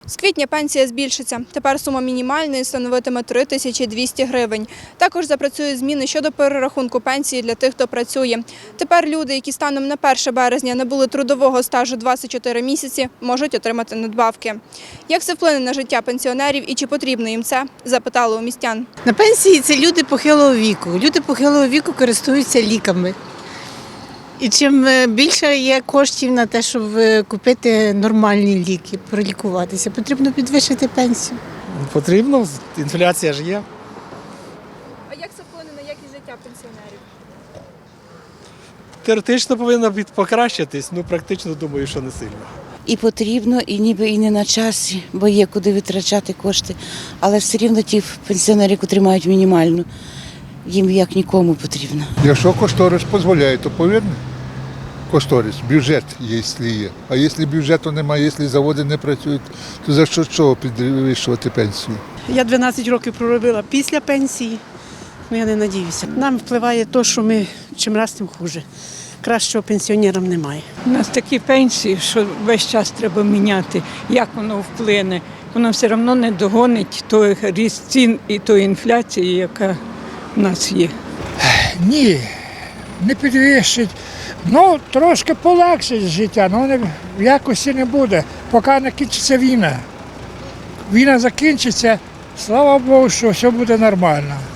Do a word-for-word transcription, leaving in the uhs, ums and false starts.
З квітня пенсія збільшиться. Тепер сума мінімальної становитиме три тисячі двісті гривень. Також запрацюють зміни щодо перерахунку пенсії для тих, хто працює. Тепер люди, які станом на перше березня не були трудового стажу двадцять чотири місяці, можуть отримати надбавки. Як це вплине на життя пенсіонерів і чи потрібно їм це, запитали у містян. На пенсії це люди похилого віку. Люди похилого віку користуються ліками. І чим більше є коштів на те, щоб купити нормальні ліки, пролікуватися, потрібно підвищити пенсію. Потрібно, інфляція ж є. А як це вплине на якість життя пенсіонерів? Теоретично повинна покращитись, ну практично думаю, що не сильно. І потрібно, і ніби і не на часі, бо є куди витрачати кошти. Але все рівно ті пенсіонери, які мають мінімальну, їм як нікому потрібно. Якщо кошторис дозволяє, то повинен кошторис, бюджет, якщо є. А якщо бюджету немає, якщо заводи не працюють, то за що чого підвищувати пенсію? Я дванадцять років проробила після пенсії, але я не надіюся. Нам впливає те, що ми чим раз тим хуже. Кращого пенсіонерам немає. У нас такі пенсії, що весь час треба міняти, як воно вплине. Воно все одно не догонить той ріст цін і тої інфляції, яка в нас є. Ні, не підвищить. Ну, трошки полегшить життя, але не, в якості не буде, поки не кінчиться війна. Війна закінчиться, слава Богу, що все буде нормально.